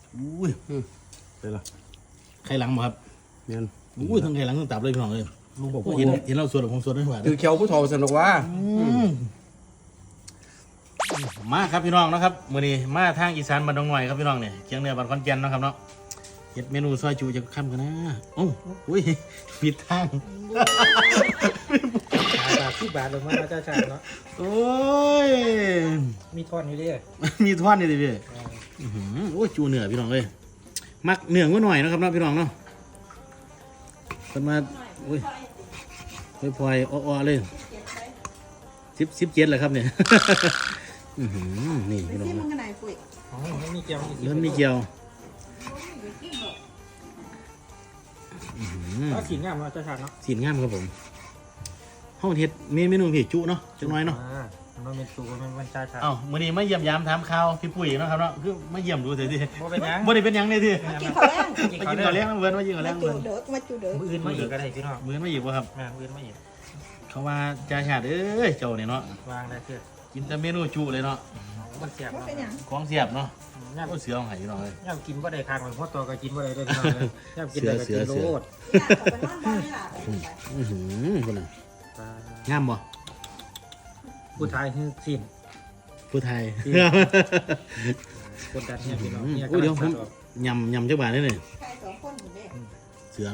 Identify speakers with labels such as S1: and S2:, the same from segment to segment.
S1: อุ้ยเป็นไรไข่หลังบ่ครับเนี่ยอุ้ยทั้งไข่หลังทั้งตับเลยพี่น้องเลยลุงบอกว่าเห็นเราสวดผมสวดได้หว่า
S2: คือเขียวผู้ทอสนุกว่า
S1: มาครับพี่น้องนะครับมื้อนี้มาทางอีสานบ้านดงหน่อยครับพี่น้องเนี่ยเคียงเหนือบ้านขอนแก่นนะครับเนาะเฮ็ดเมนูซอยจูจะค่ำกันนะโอ้อุ้ยผิดทาง
S3: บาทลงมาเจ้าชายเนาะ
S1: โอ้ย
S3: มีท่อนอยู่ดิ
S1: มีท่อนนี่ดิพี่โอ้ยจูเหนือพี่น้องเลยมักเหนือก็หน่อยนะครับเนาะพี่น้องเนาะกันมาอุ้ยพลอยอ้อๆเลย17เลยครับเนี่ยนี่พี่น้อง
S4: มันขนาดปุ๋ย
S3: ไม่มีเกียว
S1: เริ่มมีเกียว
S3: ก็สีงามเนาะเจ้าชายเนาะ
S1: สีงามครับผมห้องเฮ็ดเมนูพี่จุเนาะจังน้อยเนาะ
S3: มันเป็นสูมันเจ้าชาย
S1: มื้อนี้มาเยี่ยมยามถามข่าวพี่ปุ้ยเนาะครับเนาะคือมาเยี่ยมดูเถอะดิ
S3: บ่เป็นหยัง
S1: บ่ได้เป็นหยังเลยดิ
S4: กินข้าวแรง
S1: กินข้าวแรงเวิร์นมากินข้าวแรงเวิร์น
S4: มาจูเด้อ
S3: มืออื่นมาอีกก็ได้พี่น้อง
S1: มืออื่นมาอีกบ่ครับ
S3: มืออื่นมาอีก
S1: เขาว่าจ่าชาติเอ้ยเจ้าเนี่ยเนาะ
S3: วางได้เพื่อ
S1: กินแต่เมนูจุเลยเนาะ
S3: มันเสียบ
S1: ของเสียบเนาะก็เสือของไห้พี่น้องเลย
S3: ย่ำกินบ่ได้คางเหมือนพ่อตัวก็กินบ่ได้ด้วยพี่น้องเลยย่ำกินได้ก็กินโลด
S1: คนน่ะงามบ่
S3: ผู้ไทยคือสิ้น
S1: ผู้ไทย
S3: คนดันเนี่ยพี่น้องเนี่ย
S1: เดี๋ยวผมยำจักบาทได้เลยเสือ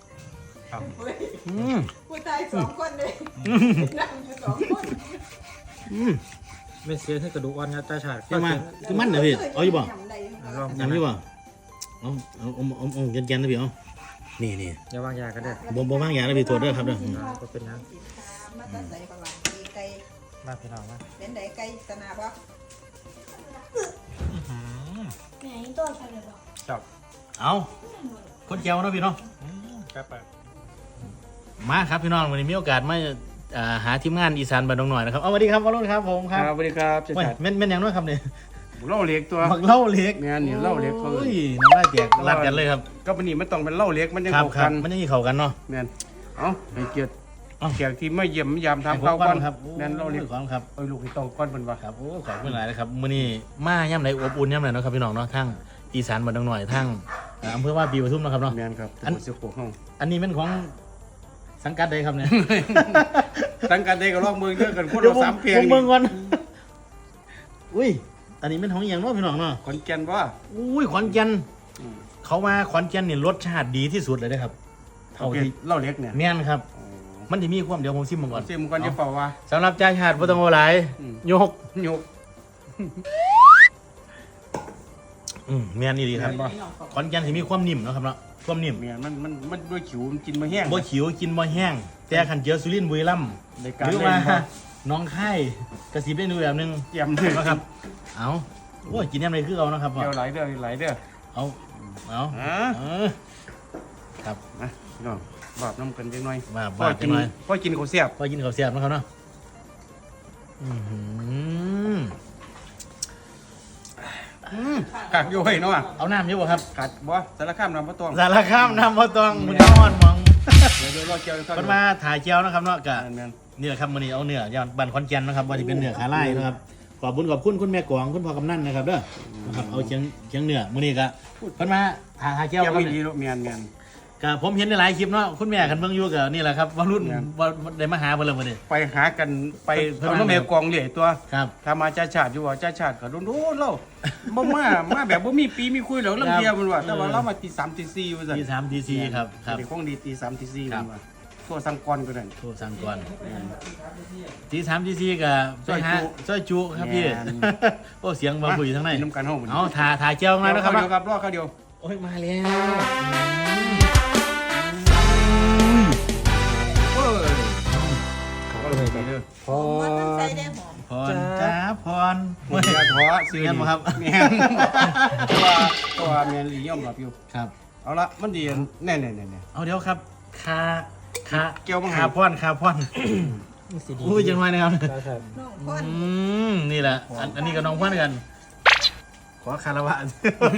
S4: ผู้ชาย2คนเลยนั่งอยู่2คน
S3: ไม่เสียให้กระดูกอ่อนนะตาฉาด
S1: คือมันเหรอพี่เอาอยู่บ่ยำอยู่บ่เอาแกนๆนะพี่เอานี่
S3: อย่าวางยากันเด้อ
S1: บ่วางยานะพี่ตรวจด้วยครับเด้อ
S3: ก็เป็นนะ
S4: มาตั้งใจประมาณไก่
S3: มาพี่น้องนะ
S4: เป็นไดไก่ตนาบ่
S5: ไหนตัวใช่หรือเปล่า
S3: จับ
S1: เอาคนแก้วนะพี่น้อง
S3: ครับ
S1: มาครับพี่น้องวันนี้มีโอกาสมาหาทีมงานอีสานบ้านดงหน่อยนะครับเอาสวัสดีครับวรุณครับผมครับ
S2: สวัสดีครับเจ้าชาย
S1: แม่นอย่างน้อยครับเนี่ย
S2: เล่าเล็กตัว
S1: เล่าเล็ก
S2: เนี่ยนี่เล่าเล็กเขา
S1: เลยน้ำลายแตกรัดกันเลยครับ
S2: ก็เป็นนี่มันต้องเป็นเล่าเล็กมันยังเข้ากัน
S1: มันยังเข้ากันเนาะ
S2: เนี่ยเอาให้เกียรติแขกที่ไม่เยี่ยมยามทำข้าวก้อน
S1: ครับ
S2: นั่นเล่าเล็ก
S1: ครับ
S2: ลูกที่ต้องก้อนเป็นว่า
S1: ครับโอ้ขอบคุณหลายนะครับมื้อนี้มาย่ำไหนอบอุ่นย่ำไหนเนาะครับพี่น้องเนาะทั้งอีสานบ้านดงหน่อยทั้งอำเภอว่าปีปทุมนะครับเนาะ
S2: เนี่ยครับ
S1: อันนี้เป็นของสังกัดใดครับเนี่ย
S2: สังกัดใดก็ลองมือเยอะกันคนเรา3เพียง
S1: เมืองก่อนอุ้ยอันนี้เป็นของอย่างเนาะพี่น้องเนาะ
S2: ขอนแก่นว่า
S1: อุ้ยขอนแก่นเขามาขอนแก่นเนี่ยรสชาติดีที่สุดเลยนะครับ
S2: เท่าที่เล่าเล็กเนี่ย
S1: แม่นครับมันจะมีความเดี๋ยวผมซิมมันก่อน
S2: ซิมก่อนจะเปล่าว่า
S1: สำหรับจ่าชาติบ่ต้องเอาหลายยกแม่นนี่ดีครับขอนแก่นสิมีความนิ่มเนาะครับเนาะความนิ่ม
S2: แม่นมันด้วยขิวมันกินมาแห้ง
S1: บ่ขิวกินบ่แห้งแต่ขันเจียวสุรินทร์บุรีรัมย์หรือว่าน้องไข่กระสีได้ดูแบบนึง
S2: เตรียมเลย
S1: นะครับเอาโอ้ยกินยังไงคือเอานะครับ
S2: เดี๋ยวไหลเด้อ
S1: เอาครับ
S2: นะน้องบาดน้ำกันจังหน่อย
S1: บาดจังหน่อย
S2: พ่อกินข้าวเสียบ
S1: นะครับเนาะ
S2: กัดอยู่ให้เนาะ
S1: เอาน้ำเยอะบ่ครับ
S2: กัดบ่สารข้ามน้ำพระตอง
S1: มึงนอนมอง
S2: เดี๋ยวรอเจียว
S1: มันมาถ่ายเจียวนะครับเนาะกะนี่แหละครับมื้อนี้เอาเนื้อย่างบ้านขอนแก่นนะครับว่าจะเป็นเนื้อขาไล่นะครับขอบคุณคุณแม่กวางคุณพ่อกำนันนะครับเด้อนะครับเอาเชียงเนื้อมื้อนี้ก็เพิ่นมาถ่ายเจียวครับ
S2: ดีเมียน
S1: ก็ผมเห็นในหลายคลิปเนาะคุณแม่กันเบิ่งอยู่ก็นี่แหละครับว่ารุ่นว่าได้มาหาเพิ่นแล้วมื้อนี้
S2: ไปหากันไปเอาน้ำแม่กวางเหลี่ยตัว
S1: ครับ
S2: ถ้ามาจ่าชาติอยู่ว่าจ่าชาติก็โดนเราบ่มาแบบบ่มีปีมีคุยแล้วเรื่องเดียวมันว่าแต่ว่าเรามาตี3ตี4ว่าซั่น
S1: ตี3ตี4ครับ
S2: เด็กของดีตี3ตี4มันว่าโทษสังกรก็ได้
S1: โทษสังกรตี3ตี4ก็ไปหาซอยจุครับพี่โอ้เสียงบ่คุยทางไหน
S2: น้ำกันเฮา
S1: เอาถ่ายเจียวมาแล้วครับ
S2: รอข้าวเดียว
S1: โอ้ยมาแล้ว
S4: พร
S1: จ้าพร
S2: ไม่ท้อซื้อ
S1: เงี้ยมั้งครับ
S2: เมียนตัวเมียนหลีย่อมหลับอยู่
S1: ครับ
S2: เอาละมันดีแน่
S1: เอาเดี๋ยวครับ
S2: เกี่ยวมั้ง
S1: คาพรอุ้ยจังไรนะครับนี่แหละอันนี้กับน้องพ่อนกันขอคารวะ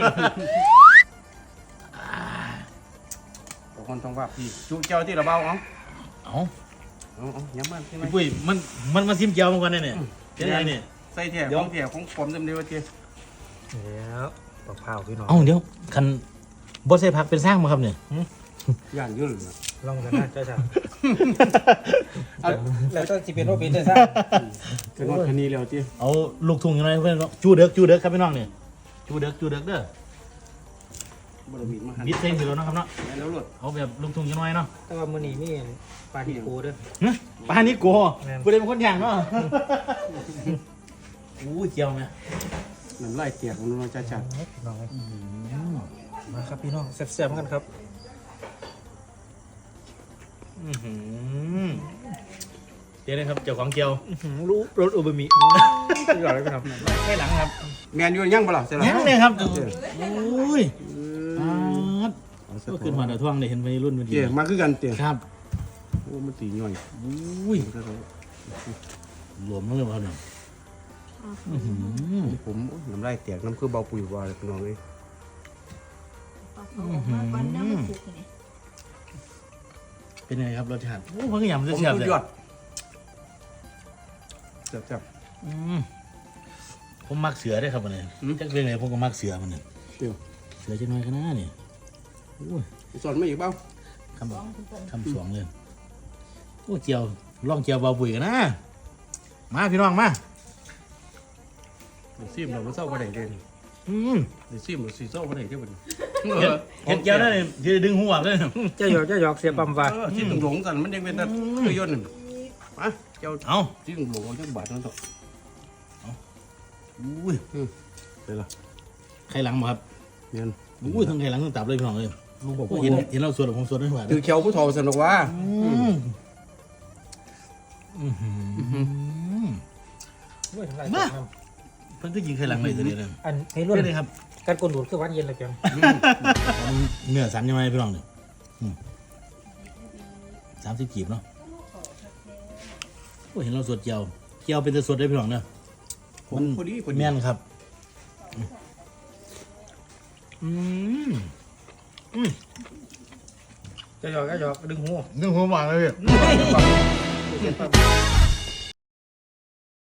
S2: คนต้องว่าพี่จุเจ้าที่ระเบ้าเอาย้ำมันใช่ไหม
S1: ปุ้ยมันมาซิมเจียวมาก่อนเนี่ยใช่ไหมเนี่ย
S2: ใส่แถวของผมจำได้ว่าเจ้
S3: แล้วปอกเผาพี่น้อง
S1: เอ้าเดี๋ยวคันบ่ใส่ผักเป็นสร้างมาครับเนี่ย
S2: ย่านยุ่นน่ะ
S3: ลองกันนะจ้าชา
S2: เอา
S3: แล้วต้องสิเป็นโรบินได้ซะ
S2: เป็นว่าคันนี้แล้วติ
S1: เอาลูกทุ่งยังไงเพื่อนจูเด็กครับพี่น้องเนี่ยจูเด็กเด้อ
S2: บ่ได้มีมาหัน
S1: บิดเส้นอยู่แล้วเนาะครับเนาะ
S2: แม่นแล้วรถ
S1: เอาแบบลูกทุ่งยังไงเนาะ
S3: แต่ว่ามื้อนี้มีปลาที่โกเด้อ
S1: ปลานี่โก
S3: แม่น
S1: กูเลยเป็นคนย่างเนาะอู้เจียวไหม
S2: น้ำลายเตียกมันว่าจ้าชาติ
S3: พี่น้องมาครับพี่น้องแซ่บๆกันครับ
S1: เดี๋ยวนะครับเจ้าของเจียว
S3: รู้รสอูบะหมี่อร่อยพี่น้อง
S1: ให้หลังครับ
S2: แม่นอยู่ยังบ่ล่ะใช่ล่ะ
S1: ยังเลยครับอุ้ยก็ขึ้นมาเดี๋ยวท่วงเลยเห็นวัยรุ่นพอดี
S2: เจ้มาคือกันเจ้
S1: ครับ
S2: โอ้มันตีหน่อย
S1: อุ้ยหลวมมากเลยครับเนี่ย
S2: ผมน้ำลายเตียกน้ำคือเบาปุ๋ยว่าเลยพี่น้องเอ้ย
S4: วันน้ำมันสุกนี่
S1: เป็นไงครับรสชาติโอ้พังยำจะ
S2: ผม
S1: เสียบ
S2: สุ
S1: เล
S2: ด
S1: ย
S2: ยอดจับ
S1: ผมมักเสือได้ครับวันนี้จักเรื่องไหนผมก็มักเสือมันเนี่ย
S2: เดี๋ยว
S1: เสือจะน้อยขนาดนี่อุ้ย
S2: สอนมาอีกเปล่า
S1: คำสวงเลยโอ้เจียวล่องเจียวเบาปุ๋ยกันนะมาพี่น้องมา
S2: เดี๋ยวซิมเราไม่เศร้าประเดี๋ยวเดี๋ยวซิมเราสีเศร้าประเดี๋ยวเดี๋ยวมัน
S1: เห็นเจียวนั่นเลยจะดึงหัวเลย
S3: เจ้าหยอกเสียปั๊มว่า
S2: ที่ตรงหลงกันมันยังเป็นแบบคือย่นหนึ่งมาเจ้า
S1: เอา
S2: ที่ตรงหลงจักบาทนั่นต่อ
S1: อุ้ย
S2: เลยล่ะ
S1: ไข่หลังบ่ครับ
S2: เนี่ย
S1: อุ้ยทั้งไข่หลังทั้งตับเลยพี่น้องเลย
S2: ลุงบอก
S1: โอ้
S2: ว่า
S1: เห็นเราสวดผมสวดไม่ไหว
S2: คือเขียวผู้ทอสนุกว่า
S1: มาเพิ่งก็ยิงไข่หลังเลยตัวนี้เลย
S3: อันให้รุ่น
S1: เพื่อนเลยครับ
S3: การกลดูดคือวันเย็นเลยจัง
S1: เนื้อสันยังไงพี่น้องเนี่ย30 กีบเนาะโอ้เห็นเราสวดเจียวเป็นตัวสวดได้พี่น้องเนาะ
S2: ผมพอดีพอดี
S1: แม่นครับ
S3: เจ้าหยอกดึงหู
S1: นึ่งหัวหวานเลย
S3: เสียปั๊ม